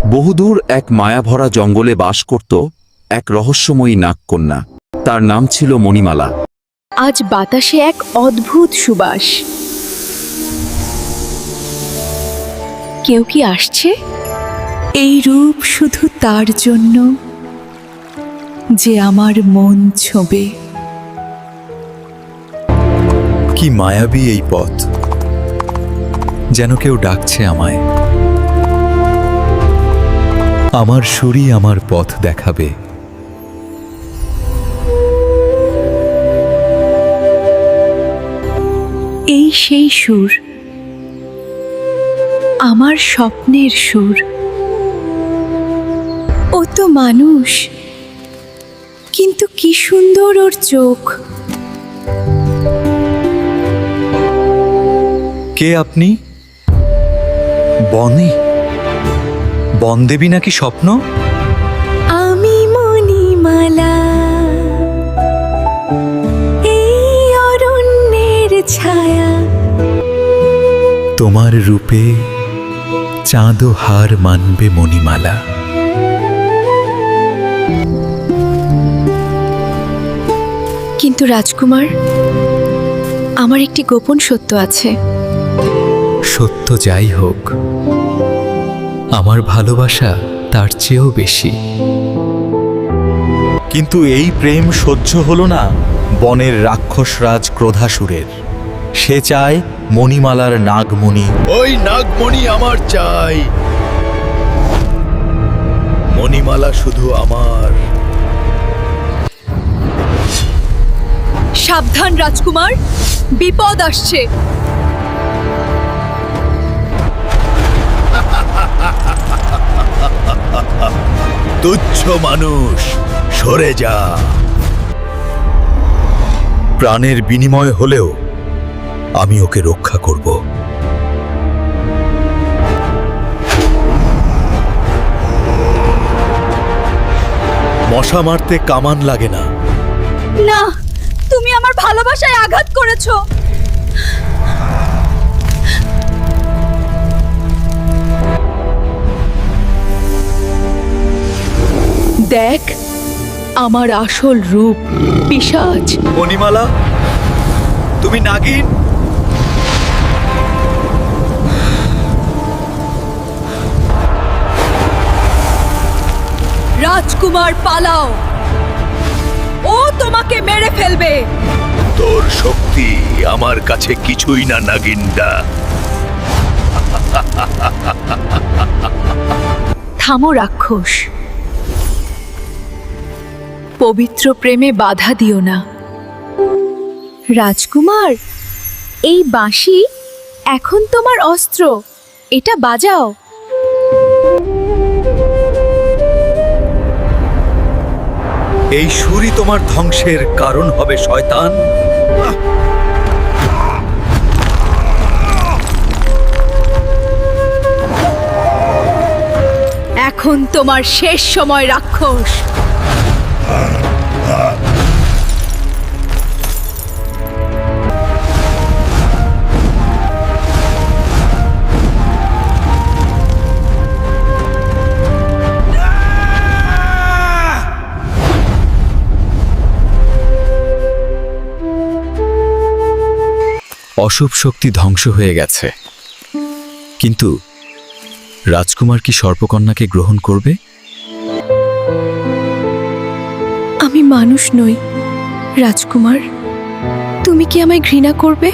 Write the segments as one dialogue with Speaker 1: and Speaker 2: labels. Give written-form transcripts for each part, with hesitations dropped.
Speaker 1: বহুদূর এক মায়াভরা জঙ্গলে বাস করত এক রহস্যময়ী নাগকন্যা। তার নাম ছিল মণিমালা।
Speaker 2: আজ বাতাসে এক অদ্ভুত সুবাস। কেউ কি আসছে? এই রূপ শুধু তার জন্য যে আমার মন ছোঁবে।
Speaker 3: কি মায়াবী এই পথ, যেন কেউ ডাকছে আমায়। আমার সুরই আমার পথ দেখাবে।
Speaker 2: এই সেই সুর, আমার স্বপ্নের সুর। ও তো মানুষ, কিন্তু কি সুন্দর ওর চোখ।
Speaker 3: কে আপনি? বনে বনদেবী নাকি স্বপ্ন?
Speaker 2: আমি মণিমালা, এই অরণ্যের ছায়া।
Speaker 3: তোমার রূপে চাঁদও হার মানবে মণিমালা।
Speaker 2: কিন্তু রাজকুমার, আমার একটি গোপন সত্য আছে।
Speaker 3: সত্য যাই হোক, আমার ভালোবাসা তার চেয়েও বেশি। কিন্তু এই প্রেম সহ্য হলো না বনের রাক্ষসরাজ ক্রোধাসুরের। সে চায় মণিমালার নাগমণি।
Speaker 4: ওই নাগমণি আমার চাই। মণিমালা শুধু আমার।
Speaker 2: সাবধান রাজকুমার, বিপদ আসছে।
Speaker 4: তুচ্ছ মানুষ, সরে যা।
Speaker 3: প্রাণের বিনিময় হলেও আমি ওকে রক্ষা করব। মশা মারতে কামান লাগে না।
Speaker 2: না, তুমি আমার ভালোবাসায় আঘাত করেছো। দেখ আমার আসল রূপ, পিশাচ।
Speaker 3: মণিমালা, তুমি নাগিন?
Speaker 2: রাজকুমার পালাও, ও তোমাকে মেরে ফেলবে।
Speaker 4: তোর শক্তি আমার কাছে কিছুই না নাগিনদা।
Speaker 2: থামো রাক্ষস, পবিত্র প্রেমে বাধা দিও না। রাজকুমার, এই বাঁশি এখন তোমার অস্ত্র, এটা বাজাও।
Speaker 3: এই সুরই তোমার ধ্বংসের কারণ হবে শয়তান।
Speaker 2: এখন তোমার শেষ সময় রাক্ষস।
Speaker 3: অশুভ শক্তি ধ্বংস হয়ে গেছে, কিন্তু রাজকুমার কি সর্পকন্যাকে গ্রহণ করবে?
Speaker 2: আমি মানুষ নই রাজকুমার, তুমি কি আমায় ঘৃণা করবে?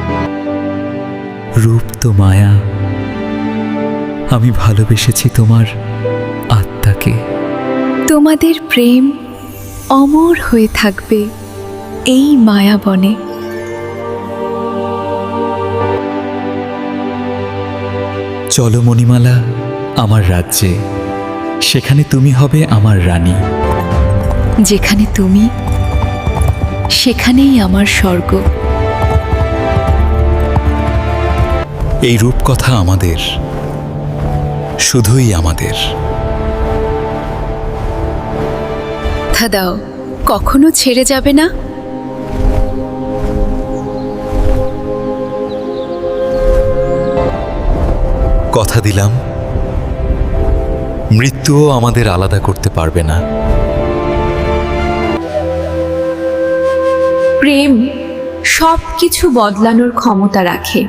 Speaker 3: রূপ তো মায়া, আমি ভালোবেসেছি তোমার আত্মাকে।
Speaker 2: তোমাদের প্রেম অমর হয়ে থাকবে এই মায়াবনে।
Speaker 3: চলো মণিমালা আমার রাজ্যে, সেখানে তুমি হবে আমার রানী।
Speaker 2: যেখানে তুমি, সেখানেই আমার স্বর্গ।
Speaker 3: এই রূপকথা আমাদের, শুধুই আমাদের।
Speaker 2: কথা দাও, কখনো ছেড়ে যাবে না।
Speaker 3: কথা দিলাম মৃত্যুও আমাদের আলাদা করতে পারবে না।
Speaker 5: প্রেম সব কিছু বদলানোর ক্ষমতা রাখে।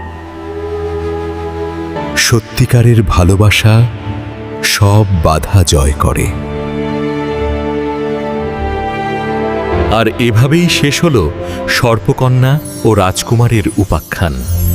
Speaker 3: সত্যিকারের ভালোবাসা সব বাধা জয় করে। আর এভাবেই শেষ হলো সর্পকন্যা ও রাজকুমারের উপাখ্যান।